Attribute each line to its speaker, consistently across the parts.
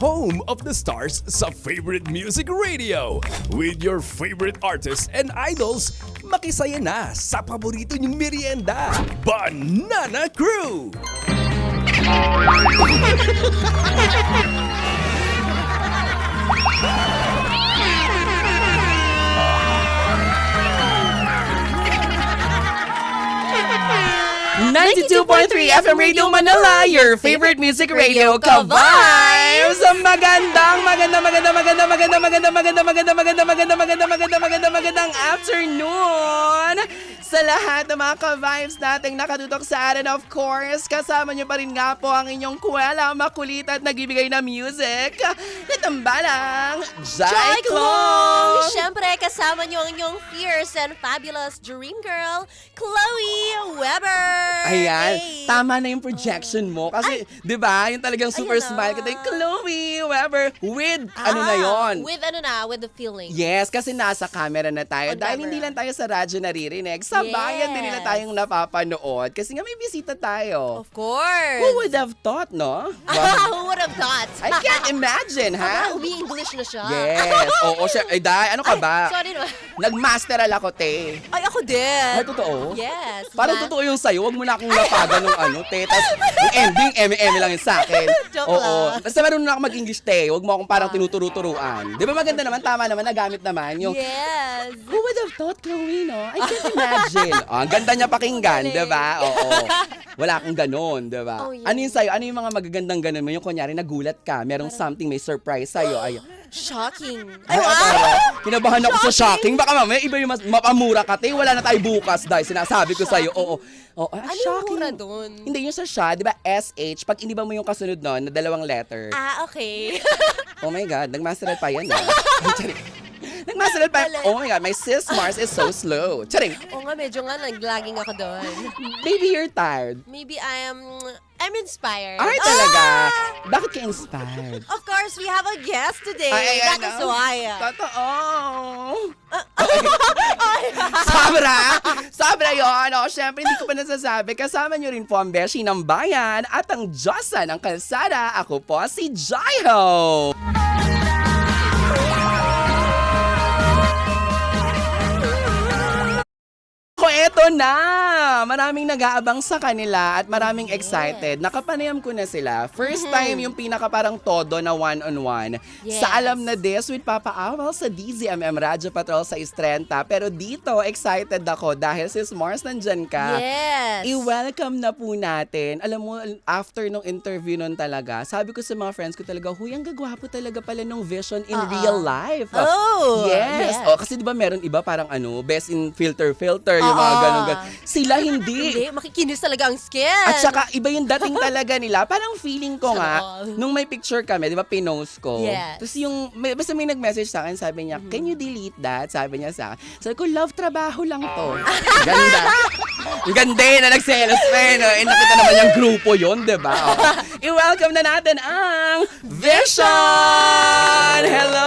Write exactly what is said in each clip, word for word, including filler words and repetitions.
Speaker 1: home of the stars sa favorite music radio. With your favorite artists and idols, makisaya na sa paborito niyong merienda, Banana Crew!
Speaker 2: ninety-two point three F M Radio Manila, your favorite music radio, ka-vibes! Magandang, maganda, maganda, maganda, maganda, maganda, maganda, maganda, maganda, maganda, maganda, maganda, maganda, magandang afternoon sa lahat ng mga ka-vibes nating nakatutok sa atin. Of course, kasama niyo pa rin nga po ang inyong kuwela, makulit at nagbibigay na music. Natambalang, Jai Klong!
Speaker 3: Siyempre, kasama niyo ang inyong fierce and fabulous dream girl, Chloe Weber!
Speaker 2: Ayan,
Speaker 3: Hey.
Speaker 2: tama na yung projection mo. Kasi, di ba, yung talagang super
Speaker 3: Ayan
Speaker 2: smile
Speaker 3: na.
Speaker 2: ka tayo, Chloe Weber, with, ano na
Speaker 3: Ah,
Speaker 2: yon?
Speaker 3: With ano na, with the feeling.
Speaker 2: Yes, kasi nasa camera na tayo.
Speaker 3: On
Speaker 2: Dahil
Speaker 3: camera.
Speaker 2: hindi lang tayo sa radyo naririnig, sa
Speaker 3: Yes.
Speaker 2: bayan din nila tayong napapanood. Kasi nga may bisita tayo.
Speaker 3: Of course.
Speaker 2: Who would have thought, no?
Speaker 3: Ah,
Speaker 2: Wow.
Speaker 3: who would have thought?
Speaker 2: I can't imagine, ha?
Speaker 3: Ah, umi-English na siya.
Speaker 2: Yes. Oo, siya. Ay, dahil, ano ka ba?
Speaker 3: Sorry naman.
Speaker 2: Nag-masteral ako, te.
Speaker 3: Ay, ako din.
Speaker 2: Ay, totoo?
Speaker 3: Yes.
Speaker 2: Parang
Speaker 3: ma-
Speaker 2: totoo yung sa'yo. Huwag mo na akong lapagan ng ano, te. Tapos, yung ending, eme-eme lang yun sa akin.
Speaker 3: Joke
Speaker 2: Oo.
Speaker 3: lang.
Speaker 2: Basta marunong na ako mag-English, te. Huwag mo akong parang tinuturo-turuan. Di ba maganda naman? Tama naman. Nagamit naman yung...
Speaker 3: Yes.
Speaker 2: Who would have thought, Chloe, no? I can't imagine. Oh, ang ganda niya pakinggan, di ba? Oo. Wala kang ganon, di ba?
Speaker 3: Oh, yeah.
Speaker 2: Ano yung sa'yo? Ano yung mga magagandang ganon mo? Yung kunyari, nagulat ka, merong something, may surprise sa'yo. Ay,
Speaker 3: Shocking.
Speaker 2: ay,
Speaker 3: Ay, wow.
Speaker 2: pero, kinabahan ako sa shocking. Baka mamaya, iba yung mas, mapamura ka, te. Wala na tayo bukas, dahil sinasabi ko sa'yo. Oo. Oo, ah,
Speaker 3: Ano yung
Speaker 2: shocking.
Speaker 3: mura dun?
Speaker 2: Hindi yung sa siya, di ba? S H. Pag iniba mo yung kasunod nun, na dalawang letter.
Speaker 3: Ah, okay.
Speaker 2: Oh my God, nagmasteral pa yan, ah. Charing. Nagmasteral pa yan. Oh my God, my sis Mars is so slow. Charing.
Speaker 3: Oo nga, medyo nga naglaging ako doon.
Speaker 2: Baby, you're tired.
Speaker 3: Maybe I am, I'm inspired.
Speaker 2: Ay, talaga?
Speaker 3: Ah!
Speaker 2: Bakit ka inspired?
Speaker 3: Of course, we have a guest today.
Speaker 2: Ay, ay,
Speaker 3: That
Speaker 2: ano?
Speaker 3: is why.
Speaker 2: Totoo. Sobra. Sobra yun. O, syempre, hindi ko pa nasasabi. Kasama nyo rin po ang Beshi ng Bayan at ang Diyosa ng Kalsada. Ako po si Jaiho. Ko eto na! Maraming nag-aabang sa kanila at maraming excited. Nakapanayam ko na sila. First time yung pinaka parang todo na one-on-one.
Speaker 3: Yes.
Speaker 2: Sa Alam Na This with Papa Awal sa D Z M M Radyo Patrol sa Istrenta. Pero dito, excited ako dahil sis Mars nandyan ka.
Speaker 3: Yes.
Speaker 2: I-welcome na po natin. Alam mo, after nung interview nun talaga, sabi ko sa mga friends ko talaga, huy, ang gagwapo talaga pala nung vision in
Speaker 3: Uh-uh.
Speaker 2: real life.
Speaker 3: Oh,
Speaker 2: Yes.
Speaker 3: yes.
Speaker 2: Oh, kasi di ba meron iba parang ano, best in filter-filter, yung mga
Speaker 3: Oo.
Speaker 2: ganun, ganun. Sila hindi.
Speaker 3: Hindi, makikinis talaga ang skin.
Speaker 2: At saka iba yung dating talaga nila. Parang feeling ko nga,
Speaker 3: Sarap.
Speaker 2: nung may picture kami, di ba, pinost ko.
Speaker 3: Yes.
Speaker 2: Tapos yung, may, basta may nag-message sa akin, sabi niya, can you delete that? Sabi niya sa akin. Sabi ko, love, trabaho lang to. Ganda. Ang ganda eh, na nagselos pa eh. No? Eh, nakita naman yung grupo yun, di ba? Oh. I-welcome na natin ang Vision! Hello!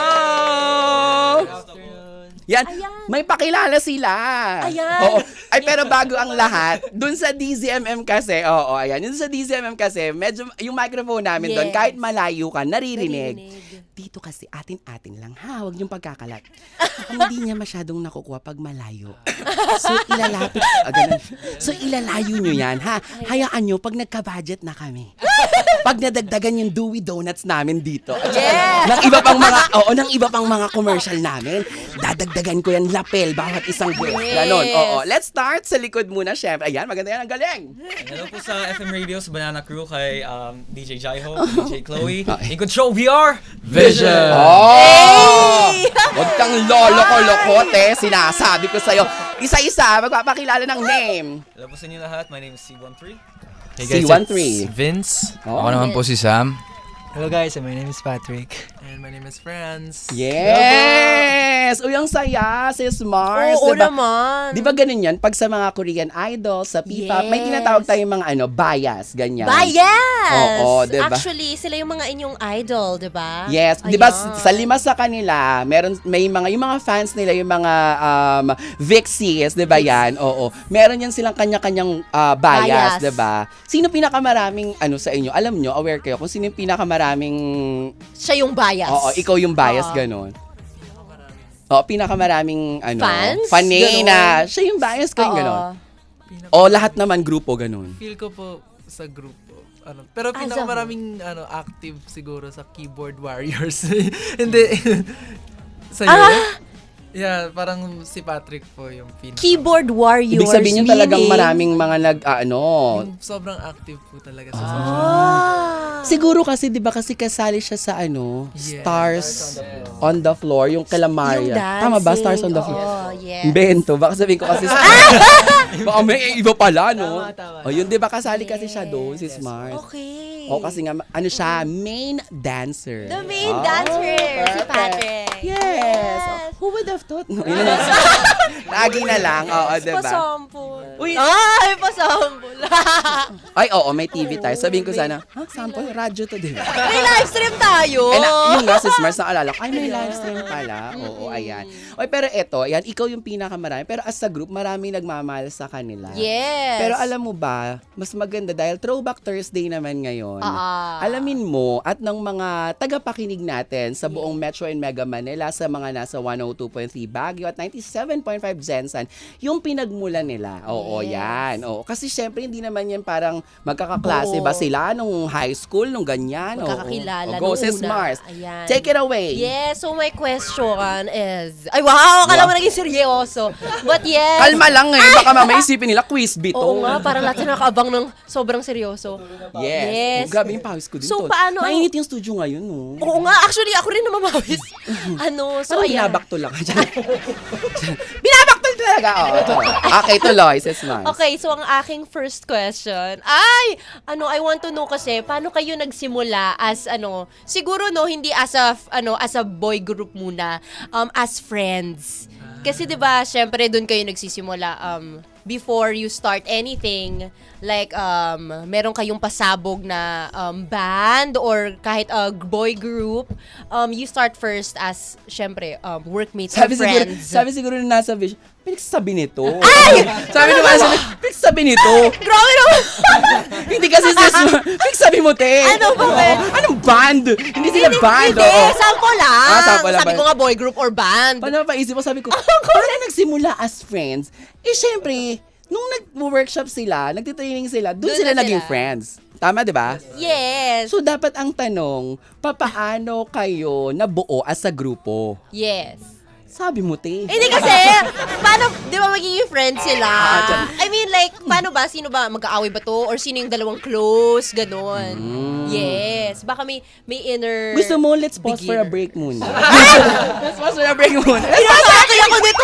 Speaker 2: Yan,
Speaker 3: Ayan.
Speaker 2: may pakilala sila.
Speaker 3: Ayan.
Speaker 2: Oo. Ay, pero bago ang lahat, dun sa D Z M M kasi, oo, ayan, dun sa D Z M M kasi, medyo, yung microphone namin doon,
Speaker 3: Yes.
Speaker 2: kahit malayo ka, naririnig.
Speaker 3: Naririnig.
Speaker 2: Dito kasi, atin-atin lang, ha? Huwag niyong pagkakalat. Hindi niya masyadong nakukuha pag malayo. So, ilalapit, ah, ganun. So, ilalayo niyo yan, ha? Hayaan niyo, pag nagka-budget na kami. Pag nadagdagan yung Dewey Donuts namin dito. At saka,
Speaker 3: Yes.
Speaker 2: ng iba pang mga, oo, ng iba pang mga commercial namin, dadagdagan ko yan lapel bawat isang buwan.
Speaker 3: Yes.
Speaker 2: Ganon, oo. Let's start sa likod muna, syempre. Ayan, maganda yan, ang galing.
Speaker 4: Hello po sa F M Radio, sa Banana Crew, kay um, D J Jaiho, D J Chloe.
Speaker 2: Okay.
Speaker 4: In control, we are Vision!
Speaker 2: Oh! Huwag kang lolo-ko-lokote, sinasabi ko sa'yo. Isa-isa, magpapakilala ng name.
Speaker 4: Hello po sa inyo lahat, my name is C thirteen.
Speaker 2: C thirteen.
Speaker 5: Vince.
Speaker 2: Oh.
Speaker 5: Ako naman po si Sam.
Speaker 6: Hello guys, my name is Patrick. And my name is Franz.
Speaker 2: Yes! Uy, ang saya, sis Mars.
Speaker 3: Oo
Speaker 2: diba?
Speaker 3: naman.
Speaker 2: Di ba ganun yan? Pag sa mga Korean idols, sa P-pop, may
Speaker 3: Yes.
Speaker 2: tinatawag tayong mga ano, bias, ganyan.
Speaker 3: Bias!
Speaker 2: Oo, diba?
Speaker 3: Actually, sila yung mga inyong idol, di ba?
Speaker 2: Yes, 'di ba
Speaker 3: Ayan.
Speaker 2: sa lima sa kanila, meron may mga yung mga fans nila, yung mga um Vixies, 'di ba 'yan? Oo. Meron yan silang kanya-kanyang ah, bias,
Speaker 3: Bias.
Speaker 2: 'di ba? Sino pinakamaraming ano sa inyo? Alam nyo, aware kayo kung sino yung pinakamarami pinakamaraming,
Speaker 3: Siya yung bias.
Speaker 2: oo, ikaw yung bias,
Speaker 3: Oo.
Speaker 2: ganon. Oo, pinakamaraming, ano,
Speaker 3: Fans?
Speaker 2: fan eh,
Speaker 3: Ganon.
Speaker 2: na, siya yung bias ko, yung
Speaker 3: Oo.
Speaker 2: ganon.
Speaker 6: Pinaka-
Speaker 2: O lahat naman grupo, ganon.
Speaker 6: Feel ko po sa grupo. Ano, pero
Speaker 3: Ah,
Speaker 6: pinakamaraming ano, active siguro sa keyboard warriors. Hindi. Sa'yo?
Speaker 3: Ah!
Speaker 6: Yeah, parang si Patrick po yung pinaka.
Speaker 3: Keyboard warriors.
Speaker 2: Ibig sabihin yung talagang
Speaker 3: meaning-
Speaker 2: maraming mga nag, ah, ano,
Speaker 6: Yung sobrang active po talaga sa
Speaker 2: Ah.
Speaker 6: social media.
Speaker 3: Ah.
Speaker 2: siguro kasi, di ba, kasi kasali siya sa, ano,
Speaker 6: Yeah.
Speaker 2: Stars on the Floor, yung kala
Speaker 3: Yung
Speaker 2: Maria.
Speaker 3: dancing.
Speaker 2: Tama ba? Stars on the Floor.
Speaker 3: Oo, yes.
Speaker 2: Bento, baka sabihin ko kasi, baka may iba pala, no?
Speaker 6: Tama, tama.
Speaker 2: O yun, di ba, kasali kasi siya doon, si Smart.
Speaker 3: Okay.
Speaker 2: O kasi nga, ano siya, main dancer.
Speaker 3: The main
Speaker 2: Oh,
Speaker 3: dancer, si
Speaker 2: perfect.
Speaker 3: Patrick.
Speaker 2: Yes. Who would have thought? No, yun na. Lagi na lang, oo, di ba?
Speaker 3: Pasample.
Speaker 2: Uy.
Speaker 3: Ay, pasample.
Speaker 2: Ay, oo, may T V tayo. Sabihin ko sana, ha, sample, radyo to, di ba?
Speaker 3: May live stream tayo.
Speaker 2: Ay, na, yung nga, si Smart, naalala ko, ay, may live stream pala. Oo, ayan. Oy, pero eto, ayan, ikaw yung pinakamarami. Pero as a group, maraming nagmamahal sa kanila.
Speaker 3: Yes.
Speaker 2: Pero alam mo ba, mas maganda dahil Throwback Thursday naman ngayon.
Speaker 3: Ah.
Speaker 2: Alamin mo at ng mga tagapakinig natin sa buong Metro and Mega Manila, sa mga nasa one oh two point three Baguio at ninety-seven point five Zensan, yung pinagmulan nila. Oo,
Speaker 3: Yes.
Speaker 2: yan. Oo, kasi syempre hindi naman yan parang magkakaklase
Speaker 3: Oo.
Speaker 2: ba sila nung high school, nung ganyan. Oo.
Speaker 3: Magkakakilala
Speaker 2: O, go,
Speaker 3: nung
Speaker 2: sis
Speaker 3: una.
Speaker 2: Mars.
Speaker 3: Ayan.
Speaker 2: Take it away.
Speaker 3: Yes, so my question is... Ay, wow! Akala mo naging seryoso. But yes...
Speaker 2: Kalma lang eh. Baka mamaya isipin nila quiz bito.
Speaker 3: Oo nga, parang lahat sila nakaabang ng sobrang seryoso.
Speaker 2: Yes.
Speaker 3: Yes.
Speaker 2: Oh, grabe yung pawis ko din.
Speaker 3: So,
Speaker 2: tol.
Speaker 3: paano-
Speaker 2: Mainit yung studio ngayon, no?
Speaker 3: Oo nga, actually, ako rin namamawis. ano, so
Speaker 2: So,
Speaker 3: ayan.
Speaker 2: binabakto lang. binabakto talaga. Oh, okay, tuloy, sis Mars.
Speaker 3: Okay, so ang aking first question, ay, ano, I want to know kasi, paano kayo nagsimula as, ano, siguro, no, hindi as a, f- ano, as a boy group muna, um, as friends. Kasi, di ba, syempre, doon kayo nagsisimula, um, before you start anything, like, um, meron kayong pasabog na um, band or kahit a boy group, um, you start first as, syempre, um, workmates
Speaker 2: Sabi
Speaker 3: or
Speaker 2: siguro,
Speaker 3: friends.
Speaker 2: sabi siguro na nasa vision, pinagsasabi nito. Ay! Sabi naman, sabi, pinagsasabi nito.
Speaker 3: Grabe naman!
Speaker 2: Hindi kasi sis, pinagsabi mo, te.
Speaker 3: Ano ba, eh?
Speaker 2: Anong band? Hindi sila band.
Speaker 3: Hindi,
Speaker 2: oo.
Speaker 3: sample lang.
Speaker 2: Ah, sample lang
Speaker 3: Sabi
Speaker 2: ba?
Speaker 3: ko nga boy group or band.
Speaker 2: Paano paisip mo, sabi ko, paano nagsimula as friends? Eh, syempre, nung nag-workshop sila, nagtitraining sila, doon
Speaker 3: Doon
Speaker 2: sila
Speaker 3: na
Speaker 2: naging
Speaker 3: sila.
Speaker 2: friends. Tama, di ba?
Speaker 3: Yes.
Speaker 2: So, dapat ang tanong, papaano kayo nabuo as a grupo?
Speaker 3: Yes.
Speaker 2: Sabi mo, te.
Speaker 3: Hindi kasi, paano, di ba magiging friends sila?
Speaker 2: Ah,
Speaker 3: I mean, like, paano ba? Sino ba? Mag-aaway ba to? Or sino yung dalawang close? Ganon. Yes. Baka may, may inner...
Speaker 2: Gusto mo, let's pause for a
Speaker 3: beginner.
Speaker 2: break muna. let's pause for a break muna.
Speaker 3: Pinasakay ako dito!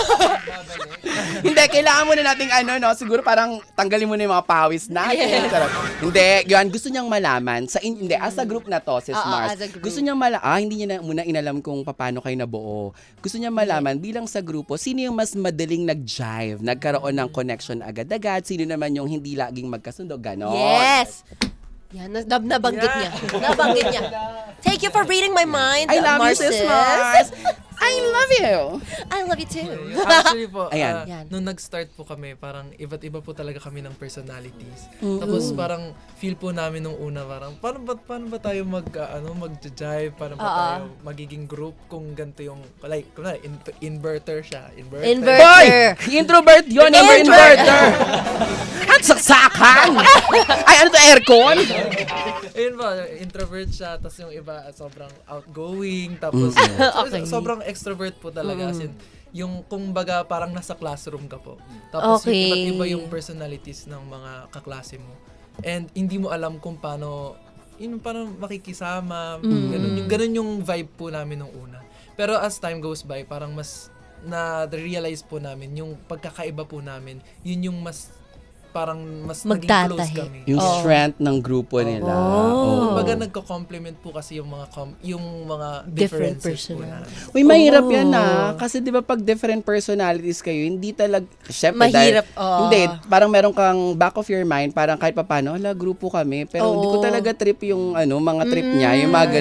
Speaker 2: Hindi, kailangan muna nating ano, no? Siguro parang tanggalin mo na yung mga pawis natin. Sarap. Hindi, yun, gusto niyang malaman. Sa in, hindi, as a group na to, sis
Speaker 3: Oo,
Speaker 2: Mars.
Speaker 3: as a group.
Speaker 2: Gusto niyang malaman, ah, hindi niya na muna inalam kung paano kayo nabuo. Gusto niya malaman, bilang sa grupo, sino yung mas madaling nag-jive, nagkaroon ng connection agad-agad, sino naman yung hindi laging magkasundo, ganon.
Speaker 3: Yes. Yan, nab nabanggit niya. Nabanggit niya. Thank you for reading my mind,
Speaker 2: I love you, sis
Speaker 3: Marces.
Speaker 2: Mars. I love you.
Speaker 3: I love you too.
Speaker 6: Actually po,
Speaker 2: Ayan.
Speaker 6: ah,
Speaker 3: Yan.
Speaker 6: nung nag-start po kami, parang iba't iba po talaga kami ng personalities.
Speaker 2: Mm-hmm.
Speaker 6: Tapos parang feel po namin nung una, parang paano ba, paano ba tayo mag, ah, ano, mag-jive? Paano ba
Speaker 3: Oo.
Speaker 6: tayo magiging group kung ganito yung, like, kunwari, in- inverter siya. Inverter.
Speaker 3: Inverter.
Speaker 2: Boy! Introvert yun, never
Speaker 3: Introvert.
Speaker 2: inverter. Ang saksakan! Ay, ano to, aircon?
Speaker 6: Ayun ba, introvert siya, tapos yung iba ah, sobrang outgoing, tapos
Speaker 3: Okay.
Speaker 6: so- sobrang extrovert po talaga. As in, yung kung baga parang nasa classroom ka po. Tapos
Speaker 3: Okay.
Speaker 6: yung iba't iba yung personalities ng mga kaklase mo. And hindi mo alam kung paano, yun, paano makikisama, ganun, yung, ganun yung vibe po namin nung una. Pero as time goes by, parang mas na-realize po namin yung pagkakaiba po namin, yun yung mas parang mas naging close
Speaker 3: Magtatahi.
Speaker 6: kami.
Speaker 2: Yung
Speaker 3: Oo.
Speaker 2: strength ng grupo nila. Oo.
Speaker 6: Kumbaga nagko-complement po kasi yung mga com- yung mga
Speaker 3: Different
Speaker 6: differences po
Speaker 3: personal.
Speaker 6: namin.
Speaker 2: Uy, mahirap
Speaker 3: Oh.
Speaker 2: yan ah. Kasi di ba pag different personalities kayo, hindi talag, syempre
Speaker 3: Mahirap,
Speaker 2: dahil,
Speaker 3: oo.
Speaker 2: hindi, parang meron kang back of your mind, parang kahit papano, hala, grupo kami, pero hindi ko
Speaker 3: Oo.
Speaker 2: talaga trip yung ano, mga trip niya, yung mga ganun.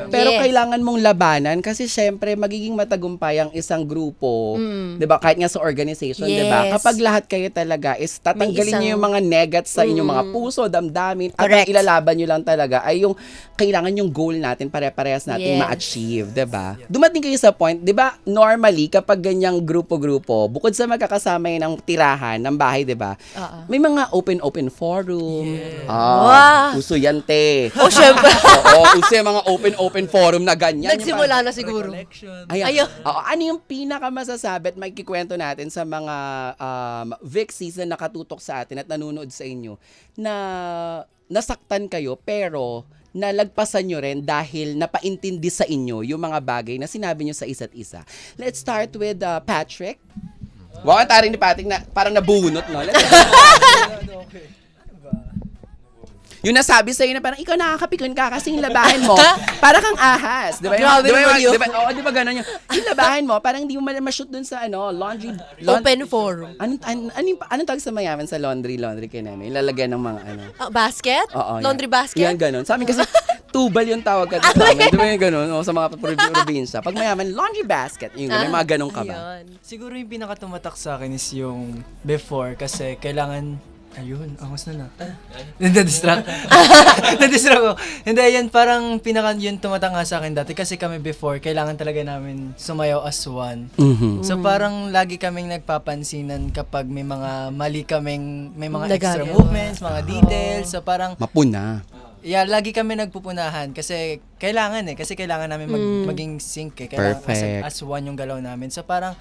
Speaker 2: pero
Speaker 3: Yes.
Speaker 2: kailangan mong labanan kasi syempre magiging matagumpay ang isang grupo, 'di ba? Kahit nga sa organization, 'di ba?
Speaker 3: Yes.
Speaker 2: Kapag lahat kayo talaga is tatanggalin
Speaker 3: isang-
Speaker 2: niyo yung mga negats sa inyong mga puso, damdamin, at ang
Speaker 3: Correct.
Speaker 2: ilalaban niyo lang talaga ay yung kailangan yung goal natin pare-parehas nating
Speaker 3: Yes.
Speaker 2: ma-achieve, 'di ba? Dumating kayo sa point, 'di ba? Normally kapag ganyang grupo-grupo, bukod sa magkakasama yun ng tirahan ng bahay, 'di ba?
Speaker 3: Oo.
Speaker 2: May mga open-open forum.
Speaker 3: Wow.
Speaker 2: Ah, uso yan, te.
Speaker 3: Oh, syempre.
Speaker 2: Oo, uso yung mga open-open forum na ganyan. Yung
Speaker 3: Nagsimula na siguro.
Speaker 6: Collection.
Speaker 2: Ayan.
Speaker 3: Ayun.
Speaker 2: Oo, ano yung pinaka masasabi at magkikwento natin sa mga um, Vixies na nakatutok sa atin at nanonood sa inyo na nasaktan kayo pero nalagpasan nyo rin dahil napaintindi sa inyo yung mga bagay na sinabi nyo sa isa't isa. Let's start with uh, Patrick. Wow, ang taring ni Patrick na parang nabunot, no? Let's yung nasabi sa'yo na parang ikaw nakakapikon ka kasi yung labahin mo, para kang ahas. Di ba? Yung-
Speaker 3: Grabe
Speaker 2: di ba,
Speaker 3: naman yun.
Speaker 2: Di ba, oo, di ba ganun yung, yung labahin mo, parang hindi mo ma- ma-shoot dun sa ano, laundry. laun-
Speaker 3: Open forum.
Speaker 2: Anong, an, anong, anong tawag sa mayaman sa laundry, laundry kayo namin? Ilalagyan ng mga ano.
Speaker 3: Ah, basket?
Speaker 2: Oo,
Speaker 3: Laundry
Speaker 2: yan.
Speaker 3: basket?
Speaker 2: Yan, ganun. Sa amin kasi, tubal yung tawag ka sa amin. Di ba yung ganun? O, sa mga prob- probinsya. Pag mayaman, laundry basket. Yung ganun,
Speaker 3: Ah,
Speaker 2: mga ganun ka ba?
Speaker 3: ayun.
Speaker 5: Siguro yung pinakatumatak sa akin is yung before kasi kailangan ayun, angos na na. Nadidistract. Nadidistract ko. Hindi, yan parang pinaka yun tumatak nga sa akin dati kasi kami before, kailangan talaga namin sumayaw as one.
Speaker 2: Mhm.
Speaker 5: So parang lagi kaming nagpapansinan kapag may mga mali kaming, may mga extra
Speaker 3: Nagagawa.
Speaker 5: movements, mga details. So parang
Speaker 2: Mapuna.
Speaker 5: yeah, lagi kami nagpupunahan kasi kailangan eh. Kasi kailangan namin mag- maging sync eh. Kailangan
Speaker 2: Perfect.
Speaker 5: as, as one yung galaw namin. So parang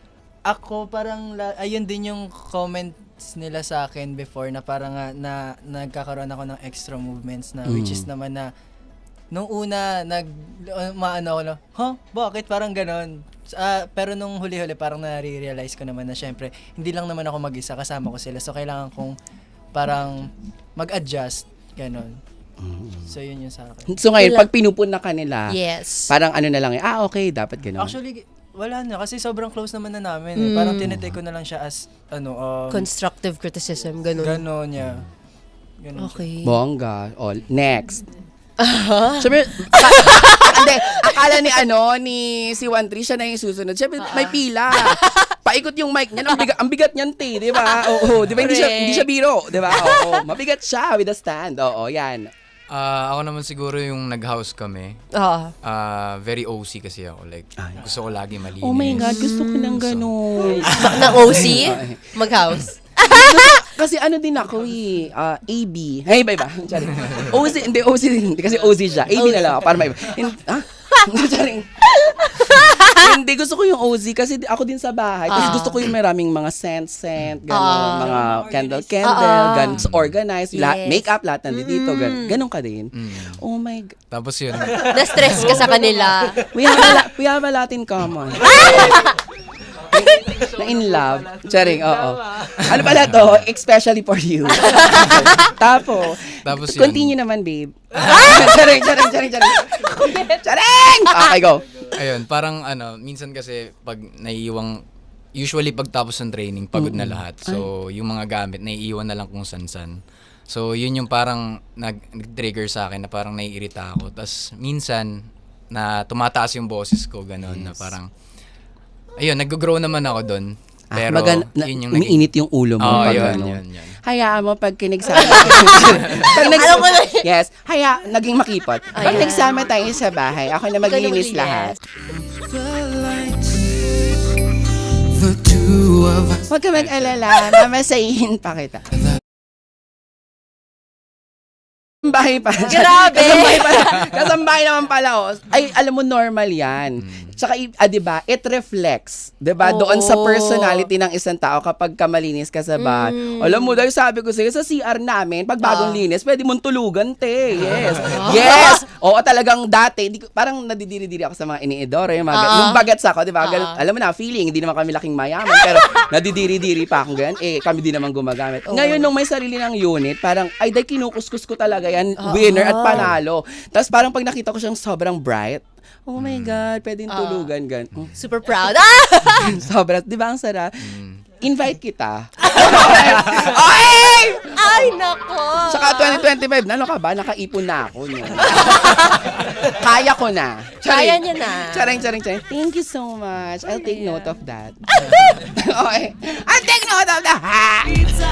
Speaker 5: ako parang la- ayun din yung comments nila sa akin before na parang nga na nagkakaroon ako ng extra movements na which is naman na nung una nag uh, maano ako na, huh? Bakit parang ganon? Ah, pero nung huli-huli parang nare-realize ko naman na syempre hindi lang naman ako mag-isa, kasama ko sila. So kailangan kong parang mag-adjust ganon. So yun yung sa akin.
Speaker 2: So ngayon,
Speaker 3: Wala.
Speaker 2: pag pinupuna ka nila,
Speaker 3: Yes.
Speaker 2: parang ano na lang, eh, ah, okay, dapat ganun.
Speaker 5: Actually, wala na kasi sobrang close naman na namin. Eh. Parang tinitake ko na lang siya as ano um,
Speaker 3: Constructive criticism, ganun.
Speaker 5: ganon niya. Ganon siya.
Speaker 3: Okay.
Speaker 2: Bongga. O, next. Siyempre, ka- hindi, akala ni ano, ni si one three, siya na yung susunod. Siyempre, may pila. Paikot yung mic niya. Ang bigat, ang bigat niyan, te, di ba? Oo, di ba? Hindi siya,
Speaker 3: Correct.
Speaker 2: hindi siya biro, di ba? Oo, mabigat siya with a stand. Oo, yan.
Speaker 7: Ah, ako naman siguro yung nag-house kami.
Speaker 3: Oo.
Speaker 7: Ah, very O C kasi ako. Like, gusto ko lagi malinis.
Speaker 2: Oh my God, gusto ko ng ganun.
Speaker 3: Na O C? Mag-house?
Speaker 2: Kasi ano din ako eh, ah, A B. Hey, iba iba. Sorry. O C, hindi O C din. Hindi kasi O C siya. A B na lang ako para maiba. Hin- Ha? Sorry. Hindi, gusto ko yung O Z kasi di- ako din sa bahay. Kasi
Speaker 3: Ah.
Speaker 2: gusto ko yung maraming mga scent-scent, gano'n,
Speaker 3: Ah.
Speaker 2: mga candle-candle,
Speaker 3: Ah.
Speaker 2: gano'n, organized, lahat,
Speaker 3: Yes.
Speaker 2: makeup, lahat nandito, gano'n. Gano'n ka din. Oh my God.
Speaker 7: Tapos yun,
Speaker 3: Na-stress ka sa kanila.
Speaker 2: We have a, la- we have a lot in common. Na in love. Charing, oo. Ano pala to? Especially for you. Tapos,
Speaker 7: Tapos yun.
Speaker 2: continue naman, babe. charing, charing, charing, charing. Charing! Okay, go.
Speaker 7: ayun, parang ano, minsan kasi pag naiiwang, usually pag tapos ng training, pagod na lahat. So, yung mga gamit, naiiwan na lang kung san-san. So, yun yung parang nag- nag-trigger sa akin na parang naiirita ako. Tapos, minsan, na tumataas yung boses ko, gano'n, na parang, ayun, nag-grow naman ako doon.
Speaker 2: Ah,
Speaker 7: Pero,
Speaker 2: magan- na-
Speaker 7: yun yung naging...
Speaker 2: umiinit yung ulo mo.
Speaker 7: Oo,
Speaker 2: pag
Speaker 7: yun,
Speaker 2: ano.
Speaker 7: yun, yun.
Speaker 2: Hayaan mo pag kinigsama. pag nag-
Speaker 3: Alam mo na.
Speaker 2: yes, haya, naging makipot. Pag
Speaker 3: Ayan.
Speaker 2: nagsama tayo sa bahay, ako na maglilinis
Speaker 3: Ikaw na
Speaker 2: lahat.
Speaker 3: maglinis.
Speaker 2: Huwag ka mag-alala, mamasayin pa kita. Kasambahay pa.
Speaker 3: Grabe!
Speaker 2: Kasambahay pala. Kasambahay naman pala, oh. Ay, alam mo, normal yan. Tsaka, i- ah, di ba, it reflects, di ba, doon sa
Speaker 3: Oo.
Speaker 2: personality ng isang tao kapag kamalinis ka sa bahay. Alam mo, dahil sabi ko sa'yo, sa C R namin, pag bagong
Speaker 3: Ah.
Speaker 2: linis, pwede mong tulugan, te. Yes. Yes! Oo, talagang dati, di, ko- parang nadidiri-diri ako sa mga iniidoro, yung mga,
Speaker 3: Ah.
Speaker 2: nung bagets ako, di ba,
Speaker 3: Ah.
Speaker 2: ganun- alam mo na, feeling, hindi naman kami laking mayaman, pero nadidiri-diri pa akong ganyan, eh, kami din naman gumagamit. Ngayon, nung may sarili ng unit, parang, ay, dahil kinukuskus ko talaga yan, winner at panalo. Tapos parang pag nakita ko siyang sobrang bright, oh my God, pwedeng tulugan, gan. Oh,
Speaker 3: Super proud. Ah!
Speaker 2: Sobra, di ba ang sarap? Invite kita. Okay!
Speaker 3: Ay, nako.
Speaker 2: Saka twenty twenty-five, na, ano ka ba? Nakaipon na ako. No? Kaya ko na.
Speaker 3: Kaya niya na.
Speaker 2: Charing, charing, charing. Thank you so much. I'll take note of that. Okay. I'll take note of that.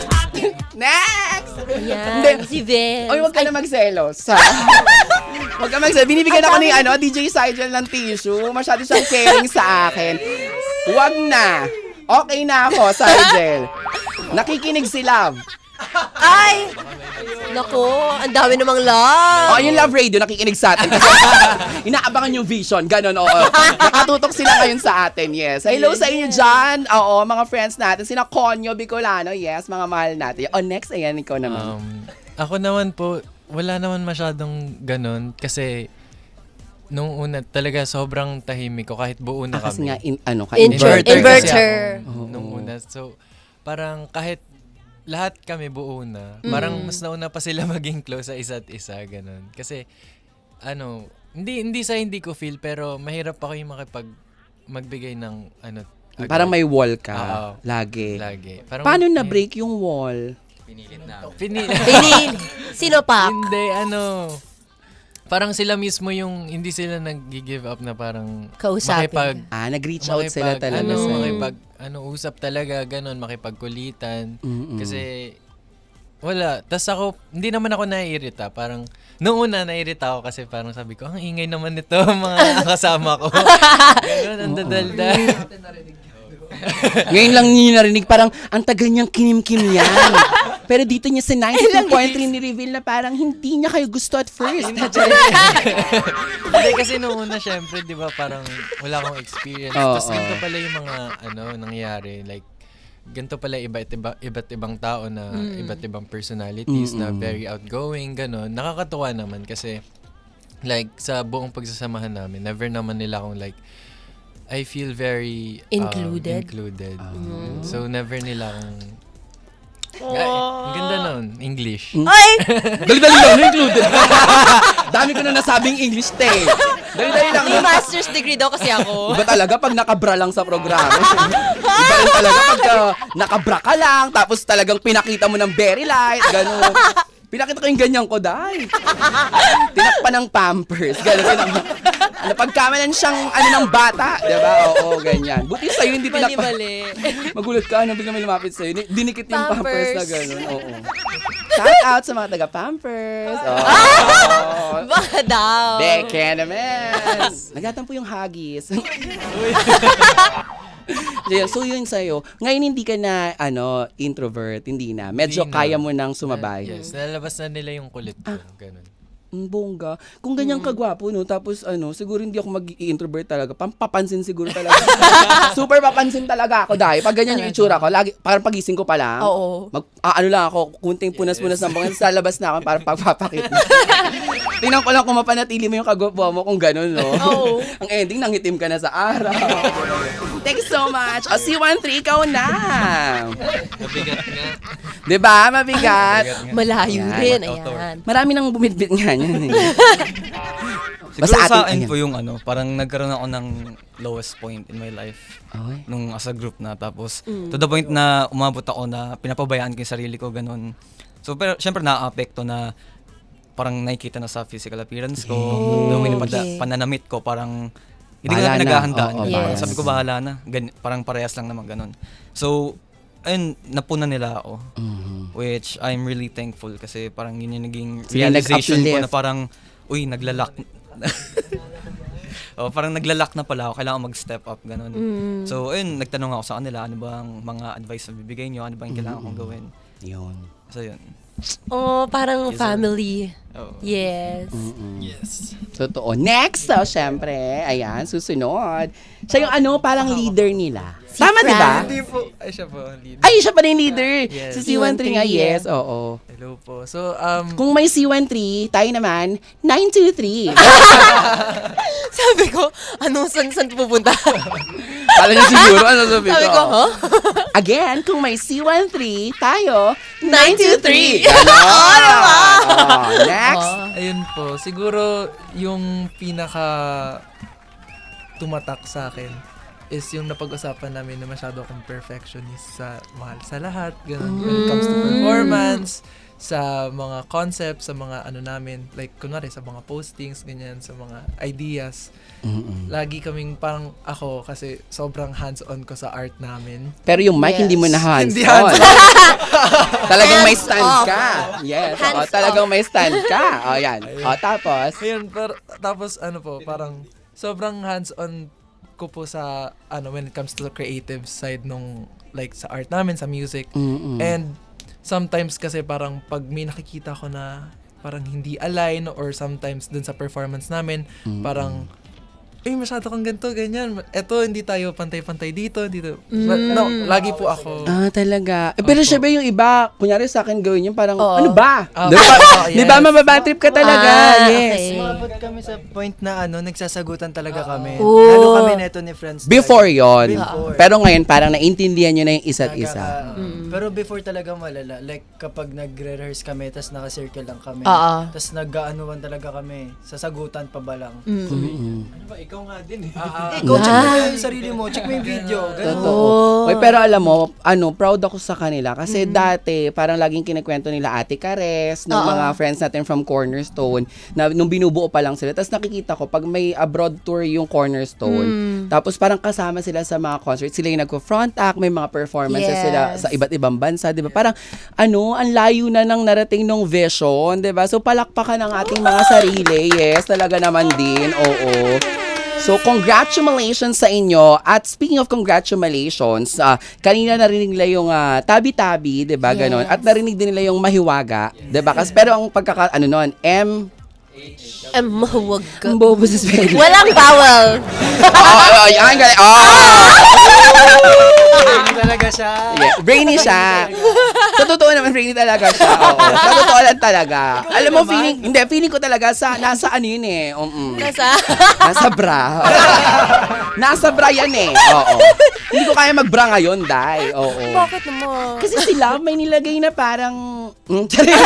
Speaker 2: Next!
Speaker 3: Ayan,
Speaker 2: Hindi.
Speaker 3: si Vince.
Speaker 2: Oy, wag ka na magselos. Ha? Wag ka magselos. Binibigyan ako ni ano, D J Sigel ng tissue. Masyado siyang caring sa akin. Wag na. Okay na ako, Sigel. Nakikinig si Love.
Speaker 3: Ay! Nako, ang dami namang love.
Speaker 2: Oh, yung Love Radio, nakikinig sa atin. Kasi inaabangan yung vision. Ganon, oo. Nakatutok sila ngayon sa atin, yes. Hello sa inyo dyan. Oo, mga friends natin. Sina Conyo Bicolano, yes, mga mahal natin. Oh, next, ayan, ikaw naman.
Speaker 8: Um, ako naman po, wala naman masyadong ganun kasi nung una talaga sobrang tahimik ko kahit buo na
Speaker 2: Ah, kasi
Speaker 8: kami.
Speaker 2: nga, in, ano ka,
Speaker 3: Inver-
Speaker 2: inverter.
Speaker 3: inverter.
Speaker 8: kasi ako
Speaker 2: Oo.
Speaker 8: nung una. So, parang kahit lahat kami buo na, parang
Speaker 3: Mm.
Speaker 8: mas nauna pa sila maging close sa isa't isa, ganun. Kasi, ano, hindi hindi sa hindi ko feel, pero mahirap ako yung makipag magbigay ng, ano, agad.
Speaker 2: Parang may wall ka.
Speaker 8: Oo.
Speaker 2: Lagi.
Speaker 8: Lagi. Parang,
Speaker 2: Paano na-break yung wall?
Speaker 7: Pinilit na.
Speaker 8: Pini-
Speaker 3: Pinil. Sino pa?
Speaker 8: Hindi, ano, parang sila mismo yung, hindi sila nag-give up na parang
Speaker 3: Kausapin
Speaker 8: makipag,
Speaker 2: Ah, nag-reach out sila
Speaker 8: makipag-
Speaker 2: talaga.
Speaker 8: Ano,
Speaker 2: sa'yo.
Speaker 8: makipag, ano, usap talaga, ganun, makipagkulitan.
Speaker 2: Mm-mm.
Speaker 8: Kasi, wala. Tapos ako, hindi naman ako naiirita. Parang, noong una, naiirita ako kasi parang sabi ko, ang ingay naman nito, mga kasama ko. Ganun, ang dadalda.
Speaker 2: Ngayon lang niyo narinig, parang ang tagal niyang kinim-kim yan. Pero dito niya sa ninety-two point three ni-reveal na parang hindi niya kayo gusto at first.
Speaker 8: Hindi, kasi noong una, syempre, di ba, parang wala akong experience.
Speaker 2: Oo,
Speaker 8: Tapos ganito
Speaker 2: oo.
Speaker 8: pala yung mga, ano, nangyari. Like, ganito pala iba't iba, iba't ibang tao na iba't ibang personalities na very outgoing, gano'n. Nakakatuwa naman kasi, like, sa buong pagsasamahan namin, never naman nila akong like, I feel very um,
Speaker 3: Included?
Speaker 8: included. So, never nila akong... Ay, ang ganda nun, English.
Speaker 3: Ay!
Speaker 2: Dali-dali lang, included. Dami ko na nasabing English, te. Dali-dali lang.
Speaker 3: May master's degree daw kasi ako.
Speaker 2: Iba talaga pag nakabra lang sa programa. Iba rin talaga pag uh, nakabra ka lang, tapos talagang pinakita mo ng very light, gano'n. Pinakita ko yung ganyan ko, dahil. Tinakpan ng Pampers, gano'n. Ano, pagkamalan siyang ano ng bata, di ba? Oo, ganyan. Buti sa'yo, hindi tinakpan.
Speaker 3: Mali-mali.
Speaker 2: Magulat ka, nang bigla may lumapit sa'yo. Ni- Dinikit yung Pampers,
Speaker 3: Pampers.
Speaker 2: na gano'n. Oo. Shout out sa mga taga-Pampers. Oo.
Speaker 3: Baka daw.
Speaker 2: Beke naman. Nagatampo yung hagis. Yeah, so yun sa'yo. Ngayon hindi ka na ano introvert, hindi na. Medyo
Speaker 8: Hindi na.
Speaker 2: kaya mo nang sumabay.
Speaker 8: Yes, nalalabas na nila yung kulit ko. Ganun.
Speaker 2: Ang bongga. Kung ganyan kagwapo, no, tapos ano, siguro hindi ako mag-i-introvert talaga. Pampapansin siguro talaga. Super papansin talaga ako dahil pag ganyan yung itsura ko, lagi, parang pagising ko pa lang.
Speaker 3: Oo.
Speaker 2: Mag, ah, ano lang ako, kunting punas-punas ng bangan, sa labas na ako para pagpapakit na. Tingnan ko lang kung mapanatili mo yung kagwapo mo kung gano'n, no?
Speaker 3: Oo.
Speaker 2: Ang ending, nangitim ka na sa araw. Thanks so much. O, C one three, ikaw na.
Speaker 8: Mabigat nga.
Speaker 2: Diba? Mabigat.
Speaker 3: Malayo
Speaker 2: Ayan.
Speaker 3: rin. Ayan.
Speaker 2: Marami nang bumidbit nga yan. Eh.
Speaker 9: Siguro
Speaker 2: Basta
Speaker 9: sa
Speaker 2: atin-
Speaker 9: akin
Speaker 2: ayan.
Speaker 9: po yung ano, parang nagkaroon ako ng lowest point in my life.
Speaker 2: Okay.
Speaker 9: Nung as a group na. Tapos, to the point na umabot ako na pinapabayaan ko yung sarili ko, ganun. So, pero syempre na-apekto na parang nakikita na sa physical appearance ko. Nung
Speaker 3: Okay.
Speaker 9: okay. pananamit ko, parang hindi ko
Speaker 2: Bahala
Speaker 9: na
Speaker 2: na.
Speaker 9: pinaghahandaan.
Speaker 2: Oo,
Speaker 9: ganun.
Speaker 3: bahala
Speaker 9: Sabi
Speaker 2: na.
Speaker 9: ko, bahala na. Gan- parang parehas lang naman ganun. So, ayun, napuna nila ako.
Speaker 2: Mhm.
Speaker 9: Which I'm really thankful kasi parang yun yung naging
Speaker 2: Sila
Speaker 9: realization ko
Speaker 2: nag-uplift.
Speaker 9: na parang, uy, naglalak. oh, parang naglalak na pala ako, kailangan mag-step up, ganun. So, ayun, nagtanong ako sa kanila, ano ba ang mga advice na bibigay nyo, ano ba yung kailangan kong gawin.
Speaker 2: Yun.
Speaker 9: So, yun.
Speaker 3: Oh, parang
Speaker 9: Yes, sir.
Speaker 3: family.
Speaker 9: Oh.
Speaker 3: Yes.
Speaker 9: Yes.
Speaker 2: Totoo. Next, oh, syempre. Ayan, susunod. Siya yung ano, parang leader nila.
Speaker 3: Si
Speaker 2: Tama, di ba?
Speaker 3: Fran.
Speaker 8: Hindi po. Ay, siya po. ang leader.
Speaker 2: Ay, siya pa rin leader.
Speaker 8: Yes.
Speaker 2: Si C one three nga, yes. Oo.
Speaker 8: Hello po. So, um,
Speaker 2: Kung may C one three, tayo naman, nine two three.
Speaker 3: Sabi ko, ano, saan, saan pupunta?
Speaker 2: Kala niya siguro, ano sabi ko?
Speaker 3: Sabi ko, huh?
Speaker 2: Again, kung may C one three, tayo,
Speaker 3: nine two three.
Speaker 2: Ganon. Oh, next.
Speaker 6: Ayun po, siguro yung pinaka tumatak sa akin is yung napag-usapan namin na masyado akong perfectionist sa mahal sa lahat, ganun, when it comes to performance, sa mga concepts, sa mga ano namin, like kunwari sa mga postings, ganyan, sa mga ideas. Lagi kaming parang ako kasi sobrang hands-on ko sa art namin.
Speaker 2: Pero yung mic,
Speaker 3: Yes.
Speaker 2: hindi mo na
Speaker 6: Hindi
Speaker 2: hands-on.
Speaker 6: hands-on.
Speaker 2: Talagang may stand
Speaker 3: Hands-off.
Speaker 2: ka. Yes. Oo,
Speaker 3: Hands-off.
Speaker 2: talagang may stand ka. O, yan. O, tapos,
Speaker 6: Ayun, pero, tapos ano po, parang sobrang hands-on ko po sa ano when it comes to the creative side nung like sa art namin, sa music.
Speaker 2: Mm-mm.
Speaker 6: And sometimes kasi parang pag may nakikita ko na parang hindi align or sometimes dun sa performance namin, parang eh, masyado kang ganito, ganyan. Eto, hindi tayo pantay-pantay dito, dito. But, no, lagi po ako.
Speaker 2: Ah, talaga. Eh, pero
Speaker 6: Opo.
Speaker 2: syempre yung iba, kunyari sa akin gawin yung parang,
Speaker 3: Oo.
Speaker 2: ano ba?
Speaker 6: Ah,
Speaker 2: Di ba?
Speaker 6: oo,
Speaker 2: Di ba,
Speaker 6: yes.
Speaker 2: mababatrip ka talaga?
Speaker 3: Ah,
Speaker 2: Yes.
Speaker 3: okay.
Speaker 5: Umabot kami sa point na ano, nagsasagutan talaga kami.
Speaker 3: Oo.
Speaker 5: Lalo kami neto ni friends.
Speaker 2: Before yon.
Speaker 5: Before.
Speaker 2: Pero ngayon, parang naintindihan nyo na yung isa't isa.
Speaker 5: Nagkaka- Pero before talaga malala. Like, kapag nagre-rehearse kami, tas naka-circle lang kami.
Speaker 3: Oo.
Speaker 5: Tas nag-aanuan talaga kami. Sasagutan pa ba lang.
Speaker 8: Ano ba, ikaw nga din eh.
Speaker 5: Eh, ikaw, check mo yung sarili mo. Check mo yung video. Ganun.
Speaker 2: Totoo. Oy, pero alam mo, ano, proud ako sa kanila kasi dati parang laging kinikwento nila Ate Cares, ng
Speaker 3: Oo.
Speaker 2: mga friends natin from Cornerstone, na nung binubuo pa lang sila. Tapos nakikita ko pag may abroad tour yung Cornerstone, tapos parang kasama sila sa mga concerts, sila yung nagko-front act, may mga performances
Speaker 3: Yes.
Speaker 2: sila sa iba't ibang bansa, 'di ba? Parang ano, ang layo na ng narating nung vision, 'di ba? So palakpakan ang ating mga sarili. Yes, talaga naman din. Oo. So, congratulations sa inyo. At speaking of congratulations, ah, kanina narinig nila yung ah, tabi-tabi, 'di ba? Ganon. At narinig din nila yung mahiwaga, 'di ba? Kasi pero ang pagkaka ano noon, M
Speaker 3: Um, huwag ka.
Speaker 2: ang bobo sa spelling.
Speaker 3: Walang vowel.
Speaker 2: Oh, oh, yan galing. Oh!
Speaker 5: Brainy talaga siya.
Speaker 2: Yeah, brainy siya. Sa totoo naman, brainy talaga siya. Oo. Sa totoo lang talaga. Alam mo, feeling, hindi, feeling ko talaga sa, nasa ano yun eh. Um,
Speaker 3: Nasa?
Speaker 2: Nasa bra. Nasa bra yan eh. Oo. Hindi ko kaya magbra ngayon, Day. Oo.
Speaker 3: Bakit naman?
Speaker 2: Kasi sila may nilagay na parang... Mm,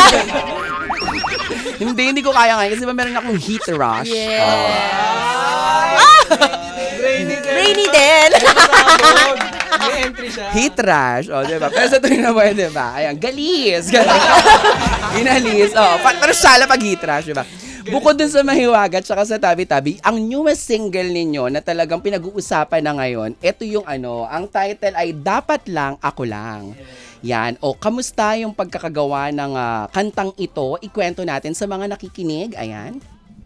Speaker 2: hindi, hindi ko kaya ngayon. Kasi ba meron akong heat rush.
Speaker 3: Yes. Brainy din.
Speaker 2: Heat rush. O, diba? Pero sa tuwing na mo, diba? Ayan, galis. Galis. Inalis. O, pa- pero sala pag heat rush, diba? Bukod dun sa Mahiwaga at saka sa Tabi-Tabi, ang newest single ninyo na talagang pinag-uusapan na ngayon, ito yung ano, ang title ay Dapat Lang Ako Lang. Yan. O, kamusta yung pagkakagawa ng ah, kantang ito? Ikwento natin sa mga nakikinig. Ayan.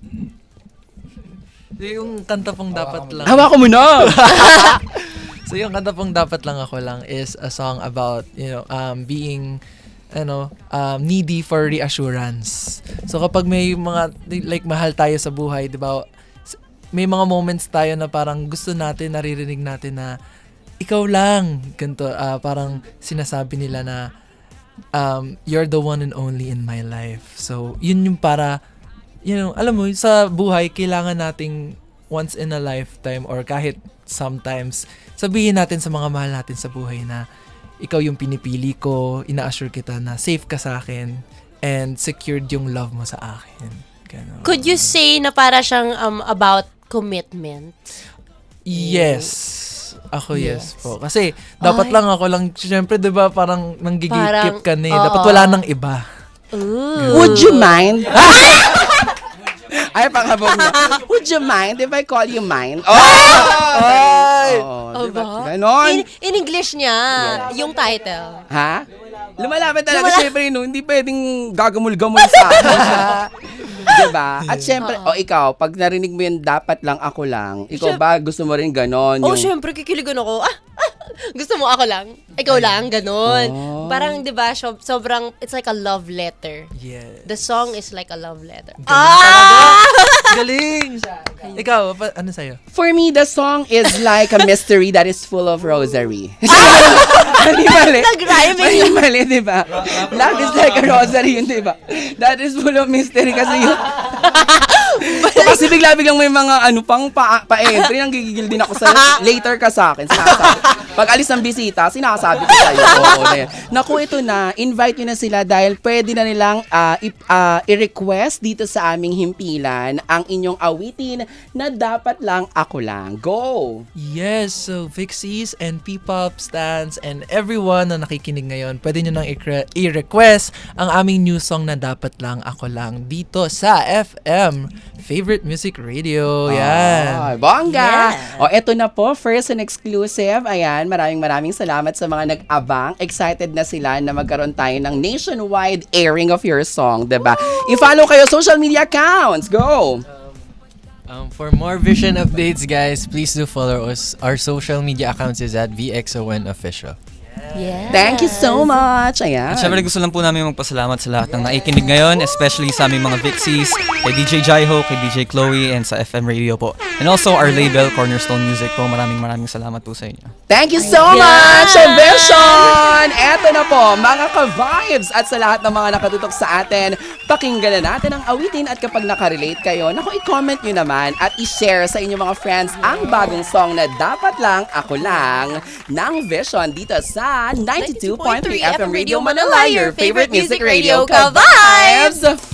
Speaker 6: So, yung kanta pong dapat lang.
Speaker 2: Hawa ko muna!
Speaker 6: So yung kanta pong dapat lang ako lang is a song about, you know, um, being, ano, um, needy for reassurance. So kapag may mga, like, mahal tayo sa buhay, di ba, s- may mga moments tayo na parang gusto natin, naririnig natin na, ikaw lang, ganito, ah, parang sinasabi nila na, um, you're the one and only in my life. So, yun yung para, you know, alam mo, sa buhay, kailangan nating once in a lifetime or kahit sometimes, sabihin natin sa mga mahal natin sa buhay na ikaw yung pinipili ko, ina-assure kita na safe ka sa akin and secured yung love mo sa akin. Ganon.
Speaker 3: Could you say na para siyang um, about commitment?
Speaker 6: Yes. Ako yes, po. Kasi dapat
Speaker 3: Ay.
Speaker 6: lang ako lang, syempre 'di ba parang nanggigit-keep
Speaker 3: Parang,
Speaker 6: ka na eh.
Speaker 3: oo.
Speaker 6: Dapat wala nang iba.
Speaker 3: Ooh.
Speaker 2: Would you mind? Ay, panghabog na. Would you mind if I call you mine? Oh! Ay! Oh, diba?
Speaker 3: Aba?
Speaker 2: Ganon.
Speaker 3: In, in English niya, yung title.
Speaker 2: Ha? Lumalaban talaga,
Speaker 3: Lumala-
Speaker 2: syempre, no? Hindi pwedeng gagamul-gamul sa akin siya. Diba? At syempre, o ikaw, pag narinig mo yun, dapat lang ako lang. Ikaw ba, gusto mo rin ganon?
Speaker 3: Oh,
Speaker 2: Yung-
Speaker 3: syempre, kikiligan ako. Ah, ah, gusto mo ako lang? Ikaw lang? Ganon.
Speaker 2: Oh.
Speaker 3: Parang, di ba, so- sobrang, it's like a love letter.
Speaker 6: Yes.
Speaker 3: The song is like a love letter.
Speaker 6: Ah! Galing! Ikaw, pa- ano sa'yo?
Speaker 2: For me, the song is like a mystery that is full of rosary. Mali, mali.
Speaker 3: Nag-rhyming
Speaker 2: Mali,
Speaker 3: yun.
Speaker 2: mali, di ba? Love is like a rosary yun, di ba? That is full of mystery kasi yun. kasi bigla-biglang may mga ano pang pa- pa-entry, nang gigigil din ako sa'yo. Later ka sa akin, sinasabi. Pag alis ng bisita, sinasabi ko sa'yo. Oo, na yan. Naku, ito na, invite nyo na sila dahil pwede na nilang ah, i- ah, i-request dito sa aming himpilan ang inyong awitin na dapat lang ako lang. Go!
Speaker 6: Yes, so Vixies and P-pop stands and everyone na nakikinig ngayon, pwede nyo nang i- i-request ang aming new song na Dapat Lang Ako Lang dito sa F M Favorite Music Radio.
Speaker 2: Ah,
Speaker 6: Yan.
Speaker 2: bongga!
Speaker 3: Yeah.
Speaker 2: O, eto na po, first and exclusive. Ayan, maraming maraming salamat sa mga nag-abang. Excited na sila na magkaroon tayo ng nationwide airing of your song, diba? I-follow kayo social media accounts. Go!
Speaker 8: Um, for more Vision updates, guys, please do follow us. Our social media accounts is at V X O N Official.
Speaker 3: Yes.
Speaker 2: Thank you so much. Ayan.
Speaker 9: At syempre gusto lang po namin magpasalamat sa lahat ng naikinig ngayon, especially sa aming mga Vixies, kay D J Jaiho, kay D J Chloe, and sa F M Radio po. And also our label, Cornerstone Music po. Maraming maraming salamat po sa inyo.
Speaker 2: Thank you so
Speaker 3: Ayan.
Speaker 2: much, Vision! Eto na po, mga ka-vibes at sa lahat ng mga nakatutok sa atin, pakinggan na natin ang awitin at kapag nakarelate kayo, naku, i-comment nyo naman at i-share sa inyong mga friends ang bagong song na Dapat Lang Ako Lang ng Vision dito sa ninety-two point three F M Radio Manila, your favorite music radio, ka-vibes!